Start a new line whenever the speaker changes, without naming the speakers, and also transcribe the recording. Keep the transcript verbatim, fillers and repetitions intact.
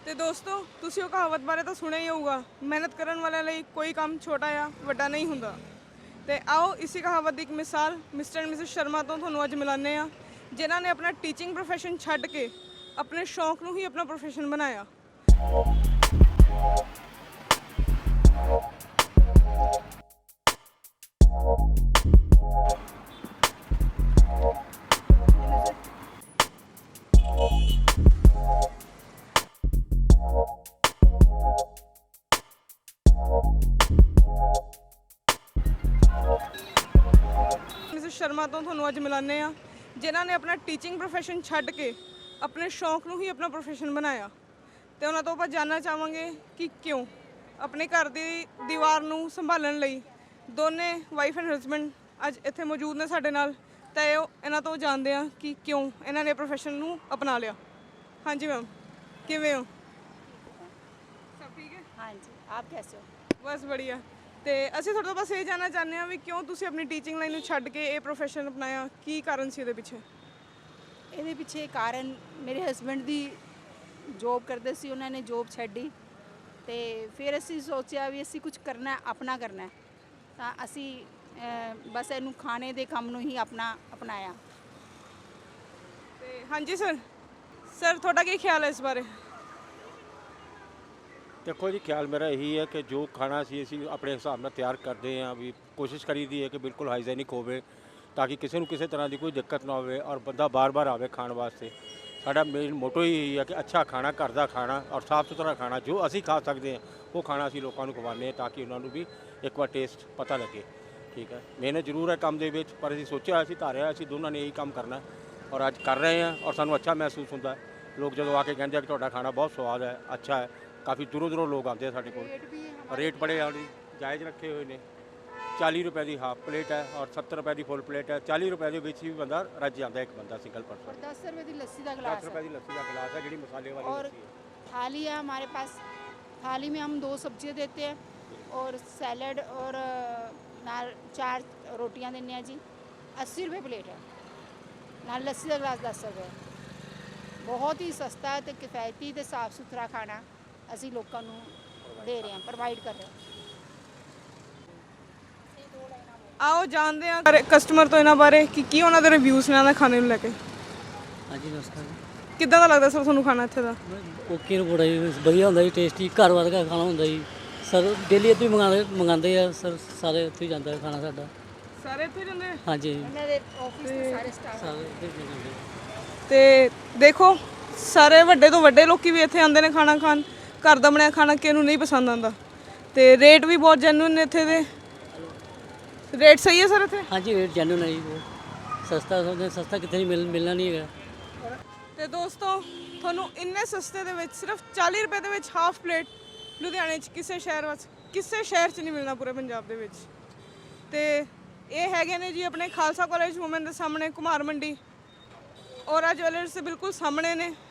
ਤੇ ਦੋਸਤੋ ਤੁਸੀਂ ਉਹ ਕਹਾਵਤ ਬਾਰੇ ਤਾਂ ਸੁਣਿਆ ਹੀ ਹੋਊਗਾ, ਮਿਹਨਤ ਕਰਨ ਵਾਲਿਆਂ ਲਈ ਕੋਈ ਕੰਮ ਛੋਟਾ ਜਾਂ ਵੱਡਾ ਨਹੀਂ ਹੁੰਦਾ। ਤੇ ਆਓ ਇਸੇ ਕਹਾਵਤ ਦੀ ਇੱਕ ਮਿਸਾਲ ਮਿਸਟਰ ਐਂਡ ਮਿਸਿਸ ਸ਼ਰਮਾ ਤੋਂ ਤੁਹਾਨੂੰ ਅੱਜ ਮਿਲਾਨੇ ਆ, ਜਿਨ੍ਹਾਂ ਨੇ ਆਪਣਾ ਟੀਚਿੰਗ ਪ੍ਰੋਫੈਸ਼ਨ ਛੱਡ ਕੇ ਆਪਣੇ ਸ਼ੌਂਕ ਨੂੰ ਹੀ ਆਪਣਾ ਪ੍ਰੋਫੈਸ਼ਨ ਬਣਾਇਆ। ਮਿਸਿਸ ਸ਼ਰਮਾ ਤੋਂ ਤੁਹਾਨੂੰ ਅੱਜ ਮਿਲਾਨੇ ਆ, ਜਿਨ੍ਹਾਂ ਨੇ ਆਪਣਾ ਟੀਚਿੰਗ ਪ੍ਰੋਫੈਸ਼ਨ ਛੱਡ ਕੇ ਆਪਣੇ ਸ਼ੌਂਕ ਨੂੰ ਹੀ ਆਪਣਾ ਪ੍ਰੋਫੈਸ਼ਨ ਬਣਾਇਆ। ਤੇ ਉਹਨਾਂ ਤੋਂ ਆਪਾਂ ਜਾਣਨਾ ਚਾਹਾਂਗੇ ਕਿ ਕਿਉਂ ਆਪਣੇ ਘਰ ਦੀ ਦੀਵਾਰ ਨੂੰ ਸੰਭਾਲਣ ਲਈ ਦੋਨੇ ਵਾਈਫ ਐਂਡ ਹਸਬੈਂਡ ਅੱਜ ਇੱਥੇ ਮੌਜੂਦ ਨੇ ਸਾਡੇ ਨਾਲ। ਤਾਂ ਇਹ ਇਹਨਾਂ ਤੋਂ ਜਾਣਦੇ ਆ ਕਿ ਕਿਉਂ ਇਹਨਾਂ ਨੇ ਪ੍ਰੋਫੈਸ਼ਨ ਨੂੰ ਅਪਣਾ ਲਿਆ। ਹਾਂਜੀ ਮੈਮ, ਕਿਵੇਂ ਹੋ? ਸਭ ਠੀਕ ਹੈ?
ਹਾਂਜੀ, ਆਪ ਕੈਸੇ ਹੋ?
ਬਸ ਵਧੀਆ। ਤੇ ਅਸੀਂ ਤੁਹਾਡੇ ਤੋਂ ਬਸ ਇਹ ਜਾਣਨਾ ਚਾਹੁੰਦੇ ਹਾਂ ਵੀ ਕਿਉਂ ਤੁਸੀਂ ਆਪਣੀ ਟੀਚਿੰਗ ਲਾਈਨ ਨੂੰ ਛੱਡ ਕੇ ਇਹ ਪ੍ਰੋਫੈਸ਼ਨ ਅਪਣਾਇਆ, ਕੀ ਕਾਰਨ ਸੀ ਇਹਦੇ ਪਿੱਛੇ?
ਇਹਦੇ ਪਿੱਛੇ ਕਾਰਨ ਮੇਰੇ ਹਸਬੈਂਡ ਦੀ ਜੋਬ ਕਰਦੇ ਸੀ, ਉਹਨਾਂ ਨੇ ਜੋਬ ਛੱਡੀ ਤੇ ਫਿਰ ਅਸੀਂ ਸੋਚਿਆ ਵੀ ਅਸੀਂ ਕੁਝ ਕਰਨਾ, ਆਪਣਾ ਕਰਨਾ, ਤਾਂ ਅਸੀਂ ਬਸ ਇਹਨੂੰ ਖਾਣੇ ਦੇ ਕੰਮ ਨੂੰ ਹੀ ਆਪਣਾ ਅਪਣਾਇਆ।
ਤੇ ਹਾਂਜੀ ਸਰ ਸਰ ਤੁਹਾਡਾ ਕੀ ਖਿਆਲ ਹੈ ਇਸ ਬਾਰੇ?
देखो जी, ख्याल मेरा यही है कि जो खाना असी असी अपने हिसाब ਨਾਲ ਤਿਆਰ ਕਰਦੇ ਹਾਂ ਵੀ ਕੋਸ਼ਿਸ਼ ਕਰੀਦੀ ਹੈ ਕਿ ਬਿਲਕੁਲ ਹਾਈਜੈਨਿਕ ਹੋਵੇ ਤਾਂ ਕਿ ਕਿਸੇ ਨੂੰ ਕਿਸੇ ਤਰ੍ਹਾਂ ਦੀ ਕੋਈ ਦਿੱਕਤ ਨਾ ਹੋਵੇ ਔਰ ਬੰਦਾ ਬਾਰ-ਬਾਰ ਆਵੇ ਖਾਣ ਵਾਸਤੇ। ਸਾਡਾ ਮੇਨ ਮੋਟੋ ਹੀ ਇਹੀ ਹੈ ਕਿ ਅੱਛਾ ਖਾਣਾ, ਘਰ ਦਾ ਖਾਣਾ ਔਰ ਸਾਫ਼ ਸੁਥਰਾ ਖਾਣਾ ਜੋ ਅਸੀਂ ਖਾ ਸਕਦੇ ਹਾਂ ਉਹ ਖਾਣਾ ਅਸੀਂ ਲੋਕਾਂ ਨੂੰ ਖਵਾਉਂਦੇ ਹਾਂ ਤਾਂ ਕਿ ਉਹਨਾਂ ਨੂੰ ਵੀ ਇੱਕ ਵਾਰ ਟੇਸਟ ਪਤਾ ਲੱਗੇ। ਠੀਕ ਹੈ, ਮਿਹਨਤ ਜ਼ਰੂਰ ਹੈ ਕੰਮ ਦੇ ਵਿੱਚ, ਪਰ ਅਸੀਂ ਸੋਚਿਆ ਅਸੀਂ ਧਾਰਿਆ ਅਸੀਂ ਦੋਨਾਂ ਨੇ ਇਹੀ ਕੰਮ ਕਰਨਾ ਔਰ ਅੱਜ ਕਰ ਰਹੇ ਹਾਂ ਔਰ ਸਾਨੂੰ ਅੱਛਾ ਮਹਿਸੂਸ ਹੁੰਦਾ। ਲੋਕ ਜਦੋਂ ਆ ਕੇ ਕਹਿੰਦੇ ਆ ਕਿ ਤੁਹਾਡਾ ਖਾਣਾ ਬਹੁਤ ਸਵਾਦ ਹੈ, ਅੱਛਾ ਹੈ, ਕਾफ़ी दूरों दूरों लोग आते हैं साढ़े को। रेट बड़े जायज़ रखे हुए ने, चाली रुपए की हाफ प्लेट है और सत्तर रुपए की फुल प्लेट है। चाली रुपए के भी बंदा रज जाता है, एक बंदा सिंगल पर्सन।
दस रुपए की लस्सी का गिलास,
दस रुपए की लस्सी का गिलास है जी मसाले वाली
और
लस्सी है।
थाली है हमारे पास, थाली में हम दो सब्जियां देते हैं और सैलड और नाल चार रोटियां देने हैं जी। अस्सी रुपये प्लेट है, नाल लस्सी का गिलास दस रुपये। बहुत ही सस्ता है, किफ़ायती ते साफ सुथरा खाना ਅਸੀਂ ਲੋਕਾਂ ਨੂੰ ਦੇ ਰਹੇ ਹਾਂ, ਪ੍ਰੋਵਾਈਡ ਕਰ ਰਹੇ ਹਾਂ।
ਆਓ ਜਾਣਦੇ ਹਾਂ ਕਸਟਮਰ ਤੋਂ ਇਹਨਾਂ ਬਾਰੇ ਕਿ ਕੀ ਉਹਨਾਂ ਦੇ ਰਿਵਿਊਜ਼ ਨੇ ਇਹਨਾਂ ਦੇ ਖਾਣੇ ਨੂੰ ਲੈ ਕੇ।
ਹਾਂਜੀ ਨਮਸਕਾਰ ਜੀ।
ਕਿੱਦਾਂ ਦਾ ਲੱਗਦਾ ਸਰ ਤੁਹਾਨੂੰ ਖਾਣਾ ਇੱਥੇ ਦਾ?
ਓਕੇ ਰਿਪੋਰਟ ਹੈ ਜੀ, ਵਧੀਆ ਹੁੰਦਾ ਜੀ, ਟੇਸਟੀ ਘਰ ਵਰਗਾ ਖਾਣਾ ਹੁੰਦਾ ਜੀ। ਸਰ ਡੇਲੀ ਇੱਥੋਂ ਹੀ ਮੰਗਾਉਂਦੇ ਮੰਗਾਉਂਦੇ ਆ ਸਰ, ਸਾਰੇ ਇੱਥੇ ਹੀ ਜਾਂਦਾ ਖਾਣਾ ਸਾਡਾ।
ਸਾਰੇ ਇੱਥੇ ਜਾਂਦੇ ਆ?
ਹਾਂਜੀ
ਇਹਨਾਂ ਦੇ ਆਫਿਸ ਦੇ ਸਾਰੇ ਸਟਾਫ।
ਸਾਰੇ ਇੱਥੇ ਹੀ ਜਾਂਦੇ।
ਤੇ ਦੇਖੋ ਸਾਰੇ ਵੱਡੇ ਤੋਂ ਵੱਡੇ ਲੋਕੀ ਵੀ ਇੱਥੇ ਆਉਂਦੇ ਨੇ ਖਾਣਾ ਖਾਣ। ਘਰ ਦਾ ਬਣਿਆ ਖਾਣਾ ਕਿਹਨੂੰ ਨਹੀਂ ਪਸੰਦ ਆਉਂਦਾ। ਤੇ ਰੇਟ ਵੀ ਬਹੁਤ ਜੈਨੂਇਨ ਨੇ ਇੱਥੇ ਦੇ। ਰੇਟ ਸਹੀ ਹੈ ਸਰ ਇੱਥੇ?
ਹਾਂਜੀ ਰੇਟ ਜੈਨੂਇਨ ਹੈ ਜੀ, ਬਹੁਤ ਸਸਤਾ, ਸਮਝਦੇ ਸਸਤਾ ਕਿੱਥੇ ਨਹੀਂ ਮਿਲ ਮਿਲਣਾ ਨਹੀਂ ਹੈਗਾ।
ਤੇ ਦੋਸਤੋ ਤੁਹਾਨੂੰ ਇੰਨੇ ਸਸਤੇ ਦੇ ਵਿੱਚ ਸਿਰਫ ਚਾਲੀ ਰੁਪਏ ਦੇ ਵਿੱਚ ਹਾਫ ਪਲੇਟ ਲੁਧਿਆਣੇ 'ਚ ਕਿਸੇ ਸ਼ਹਿਰ ਵਿੱਚ ਕਿਸੇ ਸ਼ਹਿਰ 'ਚ ਨਹੀਂ ਮਿਲਣਾ ਪੂਰੇ ਪੰਜਾਬ ਦੇ ਵਿੱਚ। ਤੇ ਇਹ ਹੈਗੇ ਨੇ ਜੀ ਆਪਣੇ ਖਾਲਸਾ ਕਾਲਜ ਵੂਮਨ ਦੇ ਸਾਹਮਣੇ ਕੁਮਾਰ ਮੰਡੀ ਔਰਾ ਜਵੈਲਰਸ ਦੇ ਬਿਲਕੁਲ ਸਾਹਮਣੇ ਨੇ।